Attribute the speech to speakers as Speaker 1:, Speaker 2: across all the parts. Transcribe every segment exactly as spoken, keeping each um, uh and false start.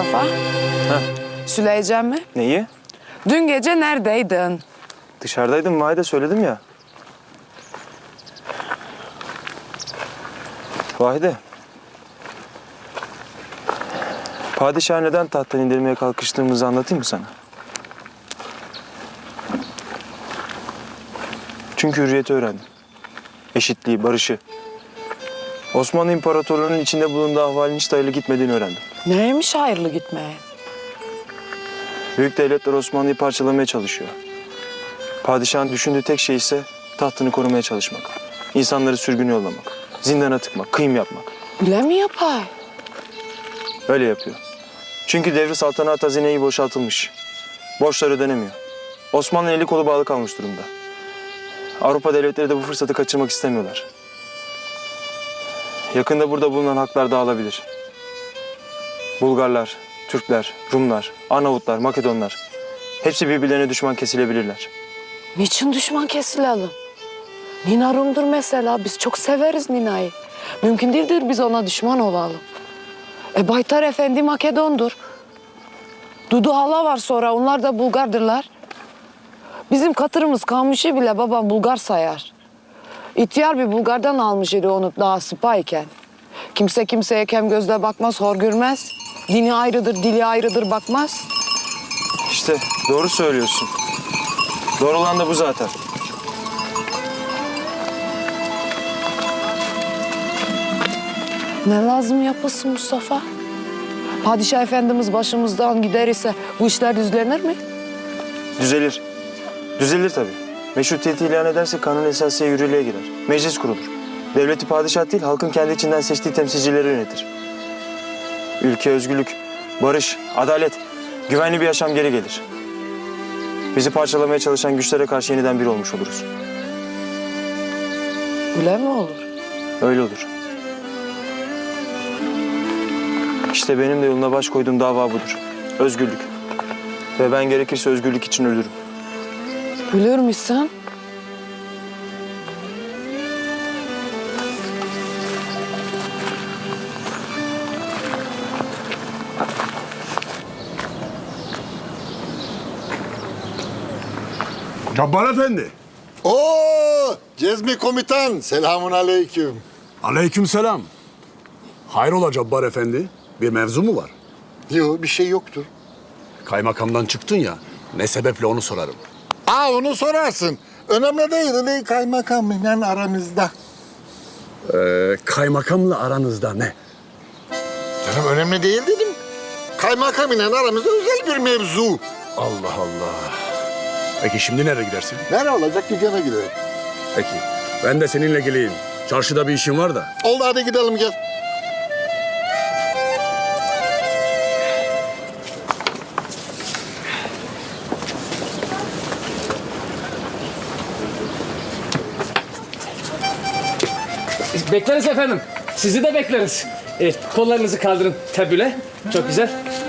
Speaker 1: Mustafa.
Speaker 2: Ha.
Speaker 1: Söyleyeceğim mi?
Speaker 2: Neyi?
Speaker 1: Dün gece neredeydin?
Speaker 2: Dışarıdaydım Vahide, söyledim ya. Vahide. Padişah neden tahttan indirmeye kalkıştığımızı anlatayım mı sana? Çünkü hürriyeti öğrendim. Eşitliği, barışı. Osmanlı İmparatorluğu'nun içinde bulunduğu ahvalin hiç hayırlı gitmediğini öğrendim.
Speaker 1: Neymiş hayırlı gitmeye?
Speaker 2: Büyük devletler Osmanlı'yı parçalamaya çalışıyor. Padişahın düşündüğü tek şey ise tahtını korumaya çalışmak. İnsanları sürgün yollamak, zindana tıkmak, kıyım yapmak.
Speaker 1: Öyle mi yapay?
Speaker 2: Öyle yapıyor. Çünkü devri saltanat hazineyi boşaltılmış. Borçlar ödenemiyor. Osmanlı eli kolu bağlı kalmış durumda. Avrupa devletleri de bu fırsatı kaçırmak istemiyorlar. Yakında burada bulunan haklar dağılabilir. Bulgarlar, Türkler, Rumlar, Arnavutlar, Makedonlar hepsi birbirlerine düşman kesilebilirler.
Speaker 1: Niçin düşman kesilelim? Nina Rum'dur mesela. Biz çok severiz Nina'yı. Mümkün değildir biz ona düşman olalım. E Baytar Efendi Makedon'dur. Dudu hala var sonra. Onlar da Bulgardırlar. Bizim katırımız Kamış'ı bile babam Bulgar sayar. İhtiyar bir Bulgar'dan almış idi onu daha sıpayken. Kimse kimseye kem gözle bakmaz, hor görmez. Dini ayrıdır, dili ayrıdır bakmaz.
Speaker 2: İşte doğru söylüyorsun. Doğru olan da bu zaten.
Speaker 1: Ne lazım yapılsın Mustafa? Padişah Efendimiz başımızdan gider ise bu işler düzlenir mi?
Speaker 2: Düzelir. Düzelir tabii. Meşrutiyeti ilan ederse kanun esasiye yürürlüğe girer. Meclis kurulur. Devleti padişah değil, halkın kendi içinden seçtiği temsilcileri yönetir. Ülke özgürlük, barış, adalet, güvenli bir yaşam geri gelir. Bizi parçalamaya çalışan güçlere karşı yeniden bir olmuş oluruz.
Speaker 1: Öyle mi olur?
Speaker 2: Öyle olur. İşte benim de yoluna baş koyduğum dava budur. Özgürlük. Ve ben gerekirse özgürlük için ölürüm.
Speaker 1: Ölür müsün?
Speaker 3: Cabbar Efendi.
Speaker 4: Oo, Cezmi komutan, selamun aleyküm.
Speaker 3: Aleykümselam. Hayrola Cabbar Efendi? Bir mevzu mu var?
Speaker 4: Yok, bir şey yoktur.
Speaker 3: Kaymakamdan çıktın ya. Ne sebeple onu sorarım.
Speaker 4: Aa, onu sorarsın. Önemli değil, öyle kaymakamla aramızda.
Speaker 3: Ee, kaymakamla aranızda ne?
Speaker 4: Canım önemli değil dedim. Kaymakam ile aramızda özel bir mevzu.
Speaker 3: Allah Allah. Peki şimdi nereye gidersin?
Speaker 4: Nerede olacak, dükkana gidelim.
Speaker 3: Peki. Ben de seninle geleyim. Çarşıda bir işim var da.
Speaker 4: Oldu, hadi gidelim gel.
Speaker 5: Bekleriz efendim. Sizi de bekleriz. Evet, kollarınızı kaldırın tabüle. Çok güzel.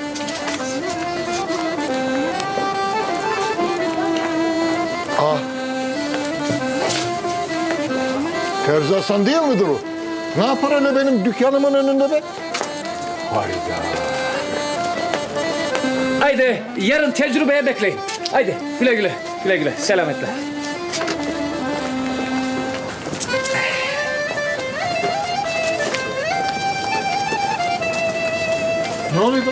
Speaker 4: Aa. Terzi Hasan değil midir o? Ne yapar öyle benim dükkanımın önünde be?
Speaker 3: Hayda.
Speaker 5: Haydi yarın tecrübeye bekleyin. Haydi güle güle. Güle güle. Selametle.
Speaker 4: Ne oluyor be?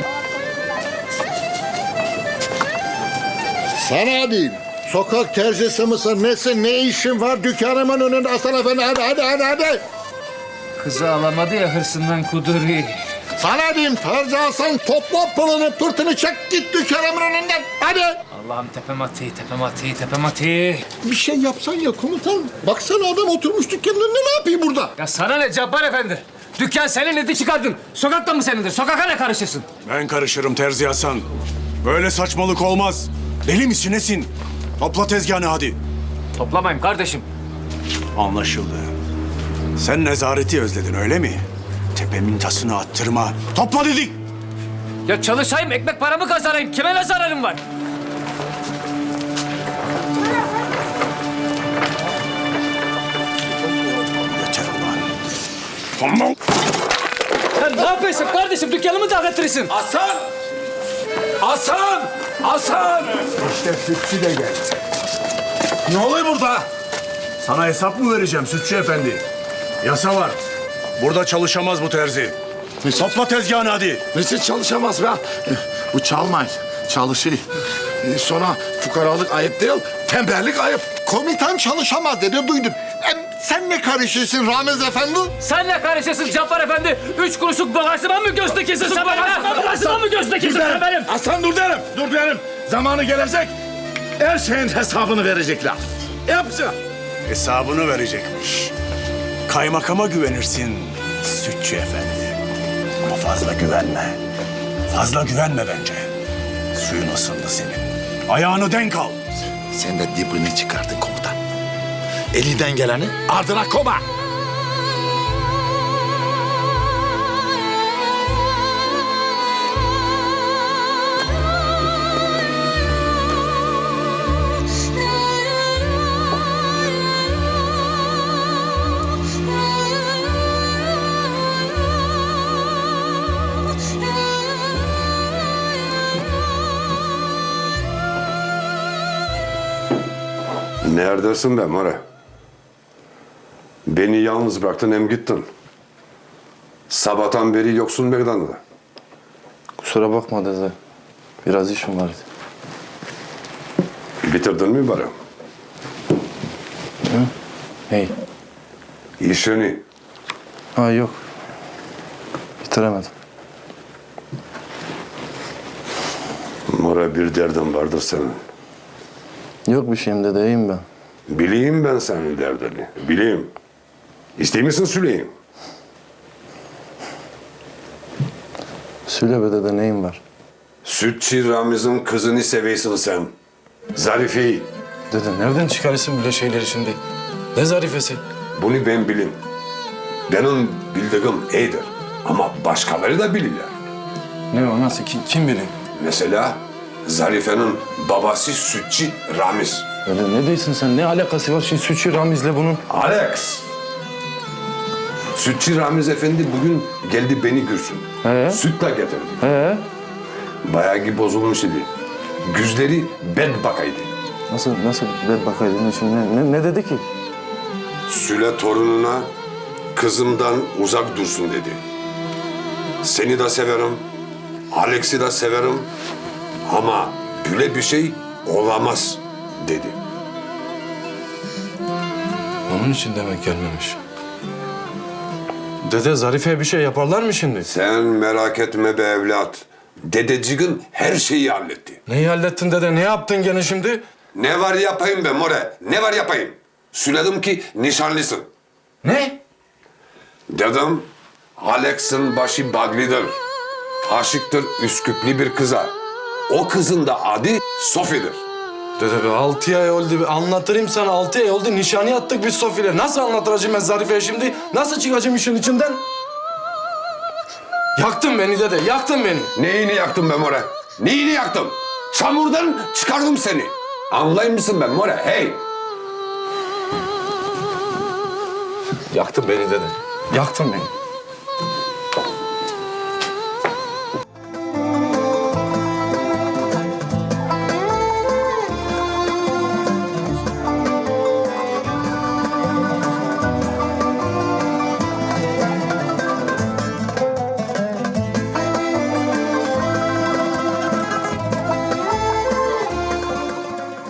Speaker 4: Sana diyeyim. Sokak terzisi misin, nesin, ne işin var dükkanımın önünde Hasan Efendi? Hadi, hadi, hadi, hadi.
Speaker 5: Kızı alamadı ya hırsından kuduri.
Speaker 4: Sana diyeyim, Terzi Hasan topla pılını, pırtını çek git dükkanımın önünden. Hadi.
Speaker 5: Allah'ım tepem atı, tepem atı, tepem atı.
Speaker 4: Bir şey yapsan ya komutan. Baksana adam oturmuş dükkanın önünde, ne yapayım burada?
Speaker 5: Ya sana ne Cabbar Efendi? Dükkan senin, eti çıkardın. Sokakta mı senindir? Sokaka ne karışırsın?
Speaker 3: Ben karışırım Terzi Hasan. Böyle saçmalık olmaz. Deli misin nesin? Topla tezgahını hadi.
Speaker 5: Toplamayın kardeşim.
Speaker 3: Anlaşıldı. Sen nezareti özledin öyle mi? Tepemin tasını attırma. Topla dedik.
Speaker 5: Ya çalışayım, ekmek paramı kazanayım. Kime ne zararım var?
Speaker 3: Yeter ulan. Tamam.
Speaker 5: Sen ne yapıyorsun kardeşim? Dükkanımı dağıtırırsın.
Speaker 6: Hasan!
Speaker 3: Hasan! Hasan!
Speaker 4: İşte sütçü de geldi.
Speaker 3: Ne oluyor burada? Sana hesap mı vereceğim Sütçü Efendi? Yasa var. Burada çalışamaz bu terzi. Topla tezgahını hadi.
Speaker 4: Nasıl çalışamaz be? Bu çalmay, çalışıyor. Ee, Sonra fukaralık ayıp değil, tembellik ayıp. Komutan çalışamaz dedi, duydum. Em, sen ne karışıyorsun Ramiz Efendi?
Speaker 5: Sen ne karışırsın Cappar Efendi? Üç kuruşluk bagajıma mı gözde kesin sen benim? Bagajıma mı gözde kesin sen benim?
Speaker 6: Aslan dur derim, dur derim. Zamanı gelecek, her şeyin hesabını verecekler. Yapacağım.
Speaker 3: Hesabını verecekmiş. Kaymakama güvenirsin Sütçü Efendi. Ama fazla güvenme. Fazla güvenme bence. Suyun ısındı senin. Ayağını denk al.
Speaker 6: Sen de dibini çıkardın komutan. Elinden geleni ardına koma.
Speaker 7: Neredesin be Mare? Beni yalnız bıraktın hem gittin. Sabahtan beri yoksun meydanda.
Speaker 8: Kusura bakma dede. Biraz işim vardı.
Speaker 7: Bitirdin mi bari?
Speaker 8: Hey.
Speaker 7: İşini.
Speaker 8: Ha yok. Bitiremedim.
Speaker 7: Mare bir derdin vardır senin.
Speaker 8: Yok bir şeyim dede, iyiyim ben.
Speaker 7: Bileyim ben senin derdini. Bileyim. İstey misin söyleyeyim?
Speaker 8: Söyle be dede, neyim var?
Speaker 7: Sütçü Ramiz'in kızını seviyorsun sen. Zarife'yi.
Speaker 8: Dede nereden çıkarırsın böyle şeyleri şimdi? Ne zarifesi?
Speaker 7: Bunu ben bileyim. Benim bildiğim iyidir. Ama başkaları da bilirler.
Speaker 8: Ne o, nasıl, kim, kim bilir?
Speaker 7: Mesela Zarife'nin babası Sütçü Ramiz.
Speaker 8: Dede ne diyorsun sen? Ne alakası var şimdi Sütçü Ramiz'le bunun?
Speaker 7: Alex! Sütçü Ramiz Efendi bugün geldi beni görsün.
Speaker 8: He?
Speaker 7: Sütle getirdi.
Speaker 8: He?
Speaker 7: Bayağı gibi bozulmuş idi. Gözleri bed bakaydı.
Speaker 8: Nasıl, nasıl ver bakaydın şimdi? Ne, ne, ne dedi ki?
Speaker 7: Süle torununa kızımdan uzak dursun dedi. Seni de severim, Alex'i de severim ama böyle bir şey olamaz dedi.
Speaker 8: Onun için demek gelmemiş. Dede Zarife'ye bir şey yaparlar mı şimdi?
Speaker 7: Sen merak etme be evlat. Dedeciğin her şeyi halletti.
Speaker 8: Neyi hallettin dede? Ne yaptın gene şimdi?
Speaker 7: Ne var yapayım be more? Ne var yapayım? Söyledim ki nişanlısın.
Speaker 8: Ne?
Speaker 7: Dedim Alex'in başı Bagli'dir. Aşıktır Üsküplü bir kıza. O kızın da adı Sofi'dir.
Speaker 8: Dede be altı ay oldu. Bir anlatırım sana, altı ay oldu. Nişanı yattık biz Sofi'yle. Nasıl anlatacağım ben Zarife'ye şimdi? Nasıl çıkacağım işin içinden? Yaktın beni dede, yaktın beni.
Speaker 7: Neyini yaktım be more? Neyini yaktım? Çamurdan çıkardım seni. Anlayır mısın ben more? Hey!
Speaker 8: Yaktın beni dede. Yaktın beni.